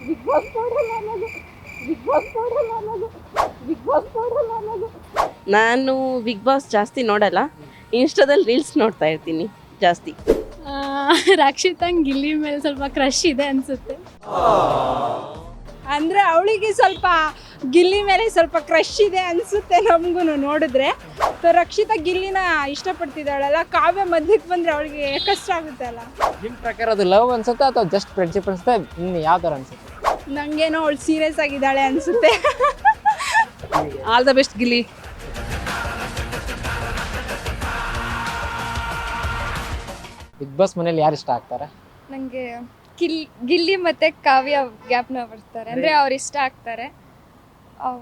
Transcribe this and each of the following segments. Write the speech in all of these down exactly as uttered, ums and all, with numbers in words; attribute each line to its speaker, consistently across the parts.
Speaker 1: Big boss ನೋಡಲ್ಲ ನಾನು big boss ನೋಡಲ್ಲ ನಾನು ಬಿಗ್ ಬಾಸ್ ನೋಡಲ್ಲ ನಾನು ನಾನು ಬಿಗ್ ಬಾಸ್ ಜಾಸ್ತಿ ನೋಡಲ್ಲ. ಇನ್ಸ್ಟಾದಲ್ಲಿ ರೀಲ್ಸ್ ನೋಡ್ತಾ ಇರ್ತೀನಿ ಜಾಸ್ತಿ.
Speaker 2: ರಕ್ಷಿತಂಗ್ ಗಿಲ್ಲಿ ಮೇಲೆ ಸ್ವಲ್ಪ ಕ್ರಶ್ ಇದೆ ಅನ್ಸುತ್ತೆ.
Speaker 3: ಅಂದರೆ ಅವಳಿಗೆ ಸ್ವಲ್ಪ ಗಿಲ್ಲಿ ಮೇಲೆ ಸ್ವಲ್ಪ ಕ್ರಶ್ ಇದೆ ಅನಿಸುತ್ತೆ ನಮಗೂ ನೋಡಿದ್ರೆ. ಸೊ ರಕ್ಷಿತಾ ಗಿಲ್ಲಿನ ಇಷ್ಟಪಡ್ತಿದ್ದಾಳಲ್ಲ, ಕಾವ್ಯ ಮಧ್ಯಕ್ಕೆ ಬಂದರೆ ಅವಳಿಗೆ ಕಷ್ಟ ಆಗುತ್ತೆ ಅಲ್ಲ.
Speaker 4: ನಿಮ್ಮ ಪ್ರಕಾರ ಅದು ಲವ್ ಅನ್ಸುತ್ತಾ ಅಥವಾ ಜಸ್ಟ್ ಫ್ರೆಂಡ್ಶಿಪ್ ಅನ್ಸುತ್ತೆ? ಇನ್ನು ಯಾವ ಥರ ಅನ್ಸುತ್ತೆ?
Speaker 3: ನನಗೇನೋ ಅವಳು ಸೀರಿಯಸ್ ಆಗಿದ್ದಾಳೆ ಅನಿಸುತ್ತೆ.
Speaker 5: All the best Gilli.
Speaker 4: Bigg Boss ಮನೇಲಿ ಯಾರು ಇಷ್ಟ ಆಗ್ತಾರೆ?
Speaker 2: ನನಗೆ ಗಿಲ್ ಗಿಲ್ಲಿ ಮತ್ತು ಕಾವ್ಯ ಗ್ಯಾಪ್ನ ಬರ್ತಾರೆ, ಅಂದರೆ ಅವ್ರು ಇಷ್ಟ ಆಗ್ತಾರೆ. ಅವ್-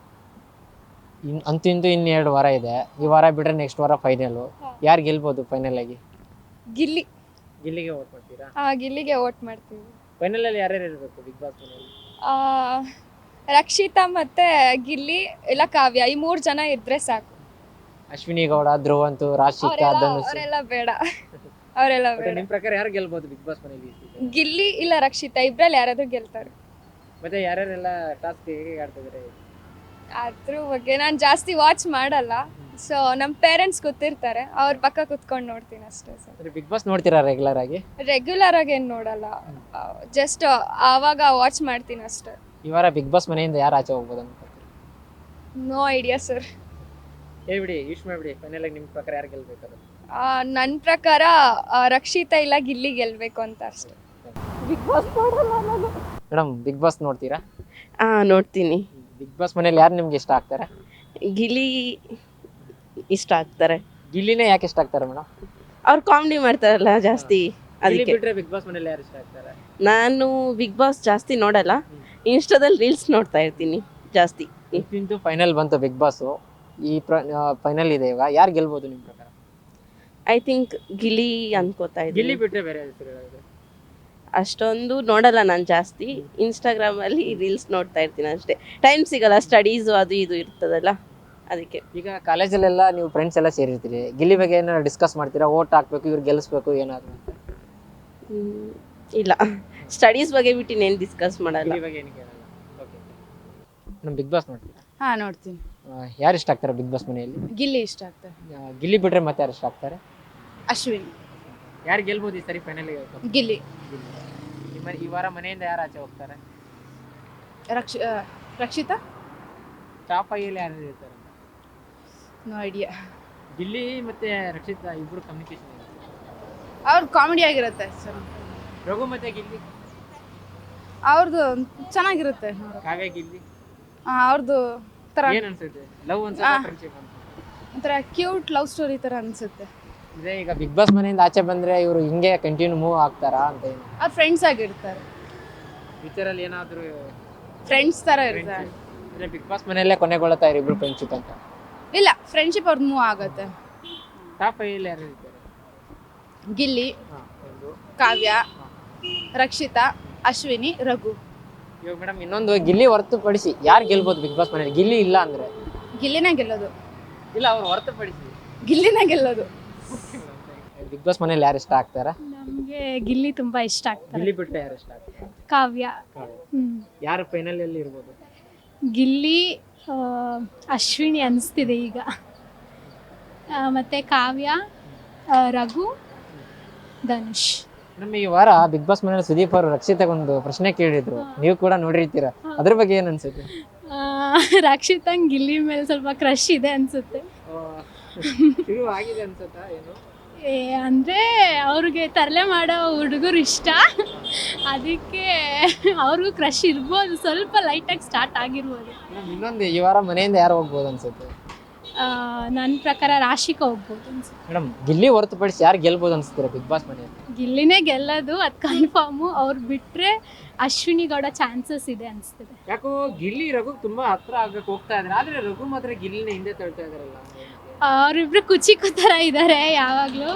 Speaker 4: ಇನ್ ಅಂತೂ ಇಂತೂ ಇನ್ನು ಎರಡು ವಾರ ಇದೆ. ಈ ವಾರ ಬಿಟ್ರೆ ನೆಕ್ಸ್ಟ್ ವಾರ ಫೈನಲು. ಯಾರು ಗೆಲ್ಬೋದು ಫೈನಲ್ ಆಗಿ?
Speaker 2: ಗಿಲ್ಲಿ
Speaker 4: ಗಿಲ್ಲಿಗೆ ವೋಟ್ ಮಾಡ್ತೀರಾ?
Speaker 2: ಆ, ಗಿಲ್ಲಿಗೆ ವೋಟ್ ಮಾಡ್ತೀವಿ.
Speaker 4: ಫೈನಲಲ್ಲಿ ಯಾರ್ಯಾರು ಇರಬೇಕು ಬಿಗ್ ಬಾಸ್ ಮನೇಲಿ?
Speaker 2: ಆ, ರಕ್ಷಿತಾ ಮತ್ತು ಗಿಲ್ಲಿ ಇಲ್ಲ ಕಾವ್ಯ, ಈ ಮೂರು ಜನ ಇದ್ದರೆ ಸಾಕು.
Speaker 4: ಅಶ್ವಿನಿ ಗೌಡ, ಧ್ರುವಂತು, ರಾಶಿಕಾ,
Speaker 2: ಅವರೆಲ್ಲ
Speaker 4: ಧನುಷ್.
Speaker 2: ಅವರೆಲ್ಲ ಬೇಡ ಅವರೆಲ್ಲ ಬೇಡ.
Speaker 4: ನಿಮ್ಮ ಪ್ರಕಾರ ಯಾರು ಗೆಲ್ಬೋದು ಬಿಗ್ ಬಾಸ್ ಮನೇಲಿ?
Speaker 2: ಗಿಲ್ಲಿ ಇಲ್ಲ ರಕ್ಷಿತಾ, ಇಬ್ರಲ್ಲಿ ಯಾರಾದ್ರೂ ಗೆಲ್ತಾರೆ.
Speaker 4: ಮತ್ತೆ ಯಾರ್ಯಾರೆಲ್ಲ ಟಾಸ್ಕ್ ಹೇಗೆ ಆಡ್ತಿದ್ದಾರೆ?
Speaker 2: ಅದ್ರ ಬಗ್ಗೆ ನಾನು ಜಾಸ್ತಿ ವಾಚ್ ಮಾಡಲ್ಲ. ಸೊ ನಮ್ಮ ಪೇರೆಂಟ್ಸ್ ಗೊತ್ತಿರ್ತಾರೆ, ಅವ್ರ ಪಕ್ಕ ಕುತ್ಕೊಂಡು ನೋಡ್ತೀನಿ ಅಷ್ಟೇ. ಸರ್
Speaker 4: ಬಿಗ್ ಬಾಸ್ ನೋಡ್ತೀರಾ ರೆಗ್ಯುಲರ್ ಆಗಿ?
Speaker 2: ರೆಗ್ಯುಲರ್ ಆಗಿ ಏನು ನೋಡಲ್ಲ, ಜಸ್ಟ್ ಆವಾಗ ವಾಚ್ ಮಾಡ್ತೀನಿ ಅಷ್ಟೇ.
Speaker 4: ಈ ವಾರ ಬಿಗ್ ಬಾಸ್ ಮನೆಯಿಂದ ಯಾರು ಆಚೆ ಹೋಗ್ಬೋದು ಅಂತ?
Speaker 2: No idea sir.
Speaker 4: ಹೇಳ್ಬಿಡಿ, ಯೂಸ್ ಮಾಡ್ಬಿಡಿ. ಫೈನಲ್ ಆಗಿ ನಿಮ್ಮ ಪ್ರಕಾರ ಯಾರು ಗೆಲ್ಬೇಕು?
Speaker 2: ನನ್ನ ಪ್ರಕಾರ ಆ, ರಕ್ಷಿತಾ ಇಲ್ಲ ಗಿಲ್ಲಿ ಗೆಲ್ಬೇಕು ಅಂತ ಅಷ್ಟೇ.
Speaker 1: ಬಿಗ್ ಬಾಸ್ ನೋಡಲ್ಲ ನಾನು.
Speaker 4: ಮೇಡಮ್, ಬಿಗ್ ಬಾಸ್ ನೋಡ್ತೀರಾ?
Speaker 1: ಹಾಂ ನೋಡ್ತೀನಿ.
Speaker 4: ಬಿಗ್ ಬಾಸ್ ಮನೇಲಿ ಯಾರು ನಿಮ್ಗೆ ಇಷ್ಟ ಆಗ್ತಾರೆ?
Speaker 1: ಗಿಲ್ಲಿ ಇಷ್ಟ ಆಗ್ತಾರೆ.
Speaker 4: ಗಿಲ್ಲಿನೇ ಯಾಕೆ ಇಷ್ಟ ಆಗ್ತಾರೆ ಮೇಡಮ್?
Speaker 1: ಅವ್ರು ಕಾಮಿಡಿ ಮಾಡ್ತಾರಲ್ಲ ಜಾಸ್ತಿ, ಅದಕ್ಕೆ.
Speaker 4: ಬಿಟ್ರೆ ಬಿಗ್ ಬಾಸ್ ಮನೇಲಿ ಯಾರು ಇಷ್ಟ ಆಗ್ತಾರೆ?
Speaker 1: ನಾನು ಬಿಗ್ ಬಾಸ್ ಜಾಸ್ತಿ ನೋಡಲ್ಲ. ಇನ್ಸ್ಟಾದಲ್ಲಿ ರೀಲ್ಸ್ ನೋಡ್ತಾ ಇರ್ತೀನಿ ಜಾಸ್ತಿ.
Speaker 4: ಇಂತು ಫೈನಲ್ ಬಂತು ಬಿಗ್ ಬಾಸ್. ಈ ಫೈನಲ್ ಇದೆ ಇವಾಗ. ಯಾರು ಗೆಲ್ಬೋದು ನಿಮ್ಮ ಪ್ರಕಾರ?
Speaker 1: ಐ ಥಿಂಕ್ ಗಿಲ್ಲಿ ಅನ್ಕೋತಾ
Speaker 4: ಗಿಲ್ಲಿ
Speaker 1: ಇದ್ದೀನಿ.
Speaker 4: ಬಿಟ್ರೆ ಬೇರೆ ಹೆಸರು ಹೇಳಿದ್ರೆ?
Speaker 1: ಅಷ್ಟೊಂದು ನೋಡಲ್ಲ ನಾನು ಜಾಸ್ತಿ. ಇನ್ಸ್ಟಾಗ್ರಾಮಲ್ಲಿ ರೀಲ್ಸ್ ನೋಡ್ತಾ ಇರ್ತೀನಿ ಅಷ್ಟೇ. ಟೈಮ್ ಸಿಗಲ್ಲ, ಸ್ಟಡೀಸು ಅದು ಇದು ಇರ್ತದಲ್ಲ, ಅದಕ್ಕೆ.
Speaker 4: ಈಗ ಕಾಲೇಜಲ್ಲೆಲ್ಲ ನೀವು ಫ್ರೆಂಡ್ಸ್ ಎಲ್ಲ ಸೇರಿರ್ತೀರಿ. ಗಿಲ್ಲಿ ಬಗ್ಗೆ ಏನಾದ್ರು ಡಿಸ್ಕಸ್ ಮಾಡ್ತೀರಾ? ಓಟ್ ಹಾಕ್ಬೇಕು, ಇವ್ರು ಗೆಲ್ಲಿಸ್ಬೇಕು ಏನಾದ್ರು?
Speaker 1: ಹ್ಮ್, ಇಲ್ಲ, ಸ್ಟಡೀಸ್ ಬಗ್ಗೆ ಬಿಟ್ಟು ಇನ್ನೇನು ಡಿಸ್ಕಸ್ ಮಾಡಲ್ಲ.
Speaker 4: ಗಿಲ್ಲಿ ಬಗ್ಗೆ ಏನು ಕೇಳಲ್ಲ. ಓಕೆ. ನಮ್ಮ ಬಿಗ್ ಬಾಸ್ ನೋಡ್ತೀರಾ?
Speaker 5: ಹಾಂ ನೋಡ್ತೀನಿ.
Speaker 4: ಯಾರು ಇಷ್ಟ ಆಗ್ತಾರೆ ಬಿಗ್ ಬಾಸ್ ಮನೆಯಲ್ಲಿ?
Speaker 5: ಗಿಲ್ಲಿ ಇಷ್ಟ ಆಗ್ತಾರೆ.
Speaker 4: ಆ, ಗಿಲ್ಲಿ ಬಿಟ್ರೆ ಮತ್ತೆ ಯಾರು ಇಷ್ಟ ಆಗ್ತಾರೆ?
Speaker 5: ಅಶ್ವಿನಿ.
Speaker 4: ಯಾರು ಗೆಲ್ಬೋದು ಈ ಸರಿ ಫೈನಲ್?
Speaker 5: ಗಿಲ್ಲಿ.
Speaker 4: ನಿಮ್ಮ ಈ ವಾರ ಮನೆಯಿಂದ ಯಾರು ಆಚೆ ಹೋಗ್ತಾರೆ?
Speaker 5: ರಕ್ಷ ಆ, ರಕ್ಷಿತಾ.
Speaker 4: ಟಾಪ್ ಐಯಲ್ಲಿ ಯಾರು ಇರ್ತಾರೆ?
Speaker 5: No idea.
Speaker 4: ಗಿಲ್ಲಿ ಮತ್ತೆ ರಕ್ಷಿತಾ ಇಬ್ರು ಕಮ್ಯುನಿಕೇಶನ್ ಇದೆ.
Speaker 5: ಅವ್ರದ್ದು ಕಾಮಿಡಿ ಆಗಿರುತ್ತೆ ಸರ್.
Speaker 4: ರಘು ಮತ್ತೆ ಗಿಲ್ಲಿ,
Speaker 5: ಅವ್ರದ್ದು ಚೆನ್ನಾಗಿರುತ್ತೆ.
Speaker 4: ಕಾವ್ಯ ಗಿಲ್ಲಿ
Speaker 5: ಅವ್ರದ್ದು ಥರ
Speaker 4: ಏನ್ ಅನ್ಸುತ್ತೆ? ಲವ್ ಅನ್ಸುತ್ತೆ, ಫ್ರೆಂಡ್ಶಿಪ್ ಅಂತ?
Speaker 5: ಒಂಥರ ಕ್ಯೂಟ್ ಲವ್ ಸ್ಟೋರಿ ಥರ ಅನಿಸುತ್ತೆ.
Speaker 4: ಇದೇ ಈಗ ಬಿಗ್ ಬಾಸ್ ಮನೆಯಿಂದ ಆಚೆ ಬಂದ್ರೆ ಇವರು ಹಿಂಗೆ ಕಂಟಿನ್ಯೂ ಮೂವ್ ಆಗ್ತಾರಾ ಅಂತ? ಏನು
Speaker 5: ಅವ್ರು ಫ್ರೆಂಡ್ಸ್ ಆಗಿರ್ತಾರೆ,
Speaker 4: ಫ್ಯೂಚರಲ್ಲಿ ಏನಾದರೂ
Speaker 5: ಫ್ರೆಂಡ್ಸ್ ಥರ ಇರ್ತಾರೆ.
Speaker 4: ಅಂದ್ರೆ ಬಿಗ್ ಬಾಸ್ ಮನೆಯಲ್ಲೇ ಕೊನೆಗೊಳ್ಳುತ್ತಾ ಇರೋ ಇಬ್ರು ಫ್ರೆಂಡ್ಶಿಪ್ ಅಂತ?
Speaker 5: ಇಲ್ಲ, ಫ್ರೆಂಡ್ಶಿಪ್ ಅವ್ರದ್ದು ಮೂವ್ ಆಗುತ್ತೆ.
Speaker 4: ಟಾಪ್ ಐಯಲ್ಲಿ ಯಾರು ಇರ್ತಾರೆ?
Speaker 5: ಗಿಲ್ಲಿ,
Speaker 4: ಹಾಂ, ಒಂದು
Speaker 5: ಕಾವ್ಯ, ರಕ್ಷಿತಾ, ಅಶ್ವಿನಿ, ರಘು.
Speaker 4: ಇವಾಗ ಮೇಡಮ್ ಇನ್ನೊಂದು, ಗಿಲ್ಲಿ ಹೊರತುಪಡಿಸಿ ಯಾರು ಗೆಲ್ಬೋದು ಬಿಗ್ ಬಾಸ್ ಮನೆಯಲ್ಲಿ? ಗಿಲ್ಲಿ ಇಲ್ಲ ಅಂದ್ರೆ?
Speaker 5: ಗಿಲ್ಲಿನೇ ಗೆಲ್ಲೋದು.
Speaker 4: ಇಲ್ಲ, ಅವ್ರು ಹೊರತುಪಡಿಸಿ
Speaker 5: ಗಿಲ್ಲಿನೇ ಗೆಲ್ಲೋದು.
Speaker 4: ಬಿಗ್ ಬಾಸ್ ಮನೇಲಿ ಯಾರು ಇಷ್ಟ ಆಗ್ತಾರೆ?
Speaker 2: ನಮಗೆ ಗಿಲ್ಲಿ ತುಂಬ ಇಷ್ಟ ಆಗ್ತಾರೆ.
Speaker 4: ಗಿಲ್ಲಿ ಬಿಟ್ಟರೆ ಯಾರು ಇಷ್ಟ ಆಗ್ತಾರೆ?
Speaker 2: ಕಾವ್ಯ. ಹ್ಞೂ.
Speaker 4: ಯಾರು ಫೈನಲ್ ಅಲ್ಲಿ ಇರ್ಬೋದು?
Speaker 2: ಗಿಲ್ಲಿ, ಆ, ಅಶ್ವಿನಿ ಅನಿಸ್ತಿದೆ ಈಗ. ಆ, ಮತ್ತೆ ಕಾವ್ಯ, ಆ, ರಘು, ಧನುಷ್.
Speaker 4: ನಮ್ಮ ಈ ವಾರ ಬಿಗ್ ಬಾಸ್ ಮನೇಲಿ ಸುದೀಪ್ ಅವರು ರಕ್ಷಿತಾಗೊಂದು ಪ್ರಶ್ನೆ ಕೇಳಿದ್ರು, ನೀವು ಕೂಡ ನೋಡಿರ್ತೀರ. ಅದ್ರ ಬಗ್ಗೆ ಏನ್ ಅನ್ಸುತ್ತೆ?
Speaker 2: ರಕ್ಷಿತಂಗ್ ಗಿಲ್ಲಿ ಮೇಲೆ ಸ್ವಲ್ಪ ಕ್ರಶ್ ಇದೆ ಅನಿಸುತ್ತೆ.
Speaker 4: ಶುರು ಆಗಿದೆ ಅನ್ಸುತ್ತಾ ಏನು?
Speaker 2: ಏ ಅಂದರೆ ಅವ್ರಿಗೆ ತರಲೆ ಮಾಡೋ ಹುಡುಗರು ಇಷ್ಟ, ಅದಕ್ಕೆ ಅವ್ರಿಗೂ ಕ್ರಶ್ ಇರ್ಬೋದು, ಸ್ವಲ್ಪ ಲೈಟಾಗಿ ಸ್ಟಾರ್ಟ್ ಆಗಿರ್ಬೋದು.
Speaker 4: ಇನ್ನೊಂದು, ಈ ವಾರ ಮನೆಯಿಂದ ಯಾರು ಹೋಗ್ಬೋದು ಅನ್ಸುತ್ತೆ?
Speaker 2: ನನ್ನ ಪ್ರಕಾರ ರಾಶಿಕಾ ಹೋಗ್ಬೋದು ಅನ್ಸುತ್ತೆ.
Speaker 4: ಮೇಡಮ್, ಗಿಲ್ಲಿ ಹೊರತುಪಡಿಸಿ ಯಾರು ಗೆಲ್ಬೋದು ಅನ್ಸುತ್ತೀರ ಬಿಗ್ ಬಾಸ್ ಮನೆಯಲ್ಲಿ?
Speaker 2: ಗಿಲ್ಲಿನೇ ಗೆಲ್ಲೋದು, ಅದು ಕನ್ಫರ್ಮು. ಅವ್ರು ಬಿಟ್ಟರೆ ಅಶ್ವಿನಿ ಗೌಡ ಚಾನ್ಸಸ್ ಇದೆ ಅನಿಸ್ತಿದೆ.
Speaker 4: ಯಾಕೋ ಗಿಲ್ಲಿ ರಘು ತುಂಬಾ ಹತ್ರ ಆಗಕ್ಕೆ ಹೋಗ್ತಾ ಇದ್ದಾರೆ, ಆದ್ರೆ ರಘು ಮಾತ್ರ ಗಿಲ್ಲಿನ ಹಿಂದೆ ತಳ್ತಾ ಇದಾರಲ್ಲ.
Speaker 2: ಅವರಿಬ್ರು ಕುಚಿಕು ಥರ ಇದ್ದಾರೆ ಯಾವಾಗಲೂ.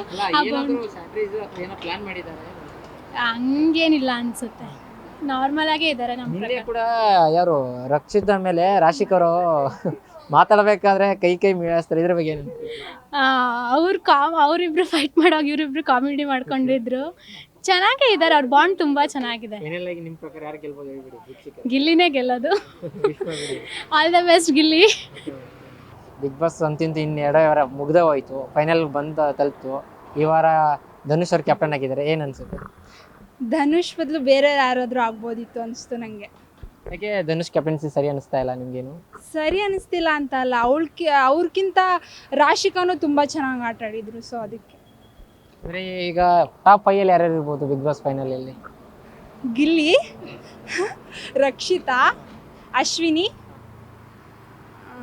Speaker 4: ಪ್ಲಾನ್ ಮಾಡಿದ್ದಾರೆ?
Speaker 2: ಹಂಗೇನಿಲ್ಲ ಅನ್ಸುತ್ತೆ, ನಾರ್ಮಲ್ ಆಗೇ ಇದ್ದಾರೆ ನಮ್ಮ
Speaker 4: ಹಿಂದೆ
Speaker 2: ಪ್ರಕಾರ.
Speaker 4: ಕೂಡ ಯಾರು ರಕ್ಷಿತಾ ಮೇಲೆ ರಾಶಿಕರು ಮಾತಾಡಬೇಕಾದ್ರೆ ಕೈ ಕೈ ಮೀಳಿಸ್ತಾರೆ, ಇದ್ರ ಬಗ್ಗೆ ಏನು?
Speaker 2: ಅವ್ರು ಕಾಮ್ ಅವರಿಬ್ರು ಫೈಟ್ ಮಾಡೋವಾಗ ಇವರಿಬ್ರು ಕಾಮಿಡಿ ಮಾಡ್ಕೊಂಡಿದ್ರು, ಚೆನ್ನಾಗೇ ಇದ್ದಾರೆ, ಅವ್ರ ಬಾಂಡ್ ತುಂಬಾ ಚೆನ್ನಾಗಿದೆ.
Speaker 4: ಫೈನಲ್ ಆಗಿ ನಿಮ್ಮ ಪ್ರಕಾರ ಯಾರು ಗೆಲ್ಬೋದು ಹೇಳ್ಬಿಡಿ ವೀಕ್ಷಕರು.
Speaker 2: ಗಿಲ್ಲಿನೇ ಗೆಲ್ಲೋದು.
Speaker 4: ವಿಶ್ವ ಬಿಡಿ.
Speaker 2: All the best Gilli.
Speaker 4: Bigg Boss ಅಂತಿಂತ ಇನ್ನು ಎರಡು ವಾರ ಮುಗ್ದೇ ಹೋಯ್ತು, ಫೈನಲ್ ಬಂದ ತಲುಪ್ತು. ಈ ವಾರ ಧನುಷ್ ಅವ್ರು ಕ್ಯಾಪ್ಟನ್ ಆಗಿದ್ದಾರೆ, ಏನು ಅನ್ಸುತ್ತೆ?
Speaker 3: ಧನುಷ್ ಬದಲು ಬೇರೆ ಯಾರಾದರೂ ಆಗ್ಬೋದಿತ್ತು ಅನಿಸ್ತು ನನಗೆ.
Speaker 4: ಯಾಕೆ ಧನುಷ್ ಕ್ಯಾಪ್ಟನ್ಸಿ ಸರಿ ಅನಿಸ್ತಾ ಇಲ್ಲ ನಿಮ್ಗೇನು?
Speaker 3: ಸರಿ ಅನಿಸ್ತಿಲ್ಲ ಅಂತ ಅಲ್ಲ, ಅವಳ್ಕಿ ಅವ್ರಿಗಿಂತ ರಾಶಿಕಾನು ತುಂಬ ಚೆನ್ನಾಗಿ ಆಟ ಆಡಿದ್ರು, ಸೊ ಅದಕ್ಕೆ.
Speaker 4: ಅಂದರೆ ಈಗ ಟಾಪ್ ಫೈಯಲ್ಲಿ ಯಾರ್ಯಾರು ಇರ್ಬೋದು ಬಿಗ್ ಬಾಸ್ ಫೈನಲಲ್ಲಿ?
Speaker 3: ಗಿಲ್ಲಿ, ರಕ್ಷಿತಾ, ಅಶ್ವಿನಿ, ಆ,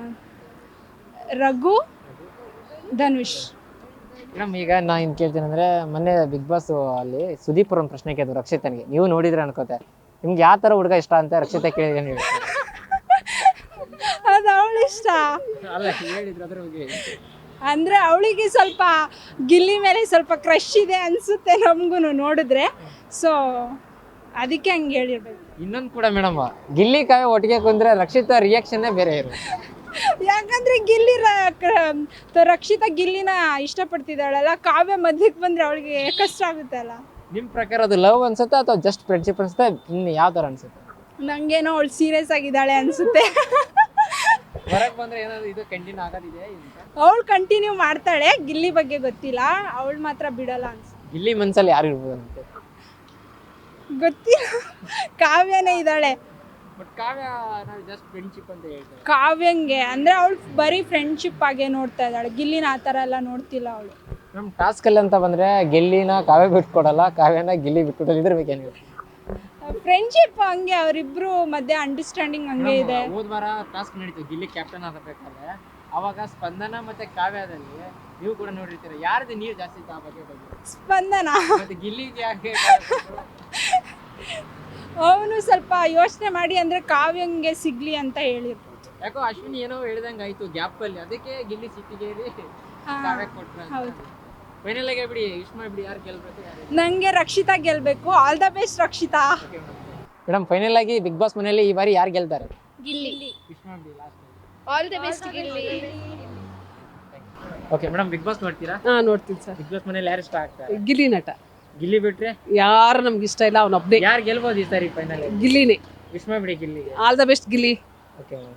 Speaker 3: ರಘು, ಧನುಷ್.
Speaker 4: ಮೇಡಮ್ ಈಗ ನಾನು ಏನು ಕೇಳ್ತೀನಿ ಅಂದರೆ, ಮೊನ್ನೆ ಬಿಗ್ ಬಾಸ್ ಅಲ್ಲಿ ಸುದೀಪ್ ಅವ್ರ ಒಂದು ಪ್ರಶ್ನೆ ಕೇಳಿದ್ರು ರಕ್ಷಿತನಿಗೆ, ನೀವು ನೋಡಿದ್ರೆ ಅನ್ಕೋತೆ. ನಿಮ್ಗೆ ಯಾವ ಥರ ಹುಡುಗ ಇಷ್ಟ ಅಂತ ರಕ್ಷಿತಾ ಕೇಳಿದ್ರೆ ನೀವು
Speaker 3: ಅದು ಅವಳು ಇಷ್ಟ
Speaker 4: ಅಲ್ಲ ಹೇಳಿದ್ರು ಅದ್ರ ಬಗ್ಗೆ.
Speaker 3: ಅಂದರೆ ಅವಳಿಗೆ ಸ್ವಲ್ಪ ಗಿಲ್ಲಿ ಮೇಲೆ ಸ್ವಲ್ಪ ಕ್ರಶ್ ಇದೆ ಅನಿಸುತ್ತೆ ನಮಗೂ ನೋಡಿದ್ರೆ, ಸೊ ಅದಕ್ಕೆ ಹಂಗೆ ಹೇಳಿರ್ಬೇಕು.
Speaker 4: ಇನ್ನೊಂದು ಕೂಡ ಮೇಡಮ್, ಗಿಲ್ಲಿ ಕಾವ್ಯ ಒಟ್ಟಿಗೆ ಕುಂದ್ರೆ ರಕ್ಷಿತಾ ರಿಯಾಕ್ಷನ್ನೇ ಬೇರೆ ಇರು.
Speaker 3: ಯಾಕಂದ್ರೆ ಗಿಲ್ಲಿ ರ- ಕ- ರಕ್ಷಿತಾ ಗಿಲ್ಲಿನ ಇಷ್ಟಪಡ್ತಿದ್ದಾಳಲ್ಲ, ಕಾವ್ಯ ಮಧ್ಯಕ್ಕೆ ಬಂದ್ರೆ ಅವಳಿಗೆ ಕಷ್ಟ ಆಗುತ್ತೆ ಅಲ್ಲ.
Speaker 4: ನಿಮ್ಮ ಪ್ರಕಾರ ಅದು ಲವ್ ಅನ್ಸುತ್ತೆ ಅಥವಾ ಜಸ್ಟ್ ಫ್ರೆಂಡ್ಶಿಪ್ ಅನ್ಸುತ್ತೆ, ಇನ್ನು ಯಾವ ಥರ ಅನ್ಸುತ್ತೆ?
Speaker 3: ನಂಗೇನೋ ಅವಳು ಸೀರಿಯಸ್ ಆಗಿದ್ದಾಳೆ ಅನ್ಸುತ್ತೆ.
Speaker 4: ಹೊರಗೆ ಬಂದ್ರೆ ಏನಾದ್ರು ಇದು ಕಂಟಿನ್ಯೂ ಆಗೋದಿದೆ ಅಂತ?
Speaker 3: ಅವಳು ಕಂಟಿನ್ಯೂ ಮಾಡ್ತಾಳೆ, ಗಿಲ್ಲಿ ಬಗ್ಗೆ ಗೊತ್ತಿಲ್ಲ, ಅವಳು ಮಾತ್ರ ಬಿಡಲ್ಲ ಅನ್ಸುತ್ತೆ.
Speaker 4: ಗಿಲ್ಲಿ ಮನ್ಸಲ್ಲಿ ಯಾರು ಇರ್ಬೋದು ಅಂತ
Speaker 3: ಗೊತ್ತಿಲ್ಲ, ಕಾವ್ಯನೇ ಇದ್ದಾಳೆ.
Speaker 4: ಬಟ್ ಕಾವ್ಯ ನಾವು ಜಸ್ಟ್ ಫ್ರೆಂಡ್ಶಿಪ್ ಅಂತ ಹೇಳ್ತಾರೆ.
Speaker 3: ಕಾವ್ಯಂಗೆ ಅಂದರೆ ಅವಳು ಬರೀ ಫ್ರೆಂಡ್ಶಿಪ್ ಆಗೇ ನೋಡ್ತಾ ಇದ್ದಾಳೆ, ಗಿಲ್ಲಿನ ಆ ಥರ ಎಲ್ಲ ನೋಡ್ತಿಲ್ಲ ಅವಳು.
Speaker 4: ನಮ್ಮ ಟಾಸ್ಕಲ್ಲಿ ಅಂತ ಬಂದರೆ ಗಿಲ್ಲಿನ ಕಾವ್ಯ ಬಿಟ್ಕೊಡಲ್ಲ, ಕಾವ್ಯನ ಗಿಲ್ಲಿ ಬಿಟ್ಕೊಡಲ್ಲ, ಇದ್ರ ಬಗ್ಗೆ ಏನು?
Speaker 3: ಫ್ರೆಂಡ್ಶಿಪ್ ಹಂಗೆ ಅವರಿಬ್ರು ಮಧ್ಯೆ ಅಂಡರ್ಸ್ಟ್ಯಾಂಡಿಂಗ್ ಹಂಗೆ ಇದೆ.
Speaker 4: ಹೋದ ವಾರ ಟಾಸ್ಕ್ ನಡೀತು ಗಿಲ್ಲಿ ಕ್ಯಾಪ್ಟನ್ ಆಗಬೇಕಾದ್ರೆ, ಅವಾಗ ಸ್ಪಂದನ ಮತ್ತೆ ಕಾವ್ಯದಲ್ಲಿ ನೀವು ಕೂಡ ನೋಡಿರ್ತೀರ, ಯಾರ್ದು ನೀರು ಜಾಸ್ತಿ ಇತ್ತು ಆ ಬಗ್ಗೆ ಬಗ್ಗೆ?
Speaker 3: ಸ್ಪಂದನ.
Speaker 4: ಮತ್ತೆ ಗಿಲ್ಲಿಗೆ ಯಾಕೆ?
Speaker 3: ಅವನು ಸ್ವಲ್ಪ ಯೋಚನೆ ಮಾಡಿ ಅಂದರೆ ಕಾವ್ಯಂಗೆ ಸಿಗ್ಲಿ ಅಂತ ಹೇಳಿರ್ಬೋದು.
Speaker 4: ಯಾಕೋ ಅಶ್ವಿನಿ ಏನೋ ಹೇಳ್ದಂಗೆ ಆಯ್ತು ಗ್ಯಾಪ್ ಅಲ್ಲಿ, ಅದಕ್ಕೆ ಗಿಲ್ಲಿ ಸಿಟ್ಟಿಗೇರಿ
Speaker 3: ಹಾ,
Speaker 4: ಕಾವ್ಯ ಕೊಟ್ರು.
Speaker 3: ಹೌದು.
Speaker 4: ಫೈನಲ್ ಆಗಿ ಬಿಡಿ, ಇಷ್ಟ ಮಾಡಿಬಿಡಿ, ಯಾರು ಗೆಲ್ಬೇಕು ಯಾರು?
Speaker 3: ನನಗೆ ರಕ್ಷಿತಾ ಗೆಲ್ಲಬೇಕು. All the best Rakshita.
Speaker 4: Madam final ಆಗಿ ಬಿಗ್ ಬಾಸ್ ಮನೆಯಲ್ಲಿ ಈ ಬಾರಿ ಯಾರು ಗೆಲ್ತಾರೆ?
Speaker 5: ಗಿಲ್ಲಿ.
Speaker 4: ಇಷ್ಟ ಮಾಡಿಬಿಡಿ last.
Speaker 5: All the best Gilli.
Speaker 4: Okay madam, Bigg Boss ನೋಡ್ತೀರಾ?
Speaker 6: ಹಾ ನೋಡ್ತೀನಿ ಸರ್.
Speaker 4: ಬಿಗ್ ಬಾಸ್ ಮನೇಲಿ ಯಾರು ಇಷ್ಟ ಆಗ್ತಾರೆ?
Speaker 6: ಗಿಲ್ಲಿ ನಟ.
Speaker 4: ಗಿಲ್ಲಿ ಬಿಟ್ರೆ
Speaker 6: ಯಾರು ನಮ್ಗೆ ಇಷ್ಟ ಇಲ್ಲ, ಅವನೊಬ್ಬನೇ.
Speaker 4: ಯಾರು ಗೆಲ್ಬೋದು ಈ ಸಾರಿ ಫೈನಲ್?
Speaker 6: ಗಿಲ್ಲಿನೇ.
Speaker 4: ವಿಶ್ ಮಾಡಿಬಿಡಿ ಗಿಲ್ಲಿಗೆ.
Speaker 6: All the best Gilli.
Speaker 4: Okay madam.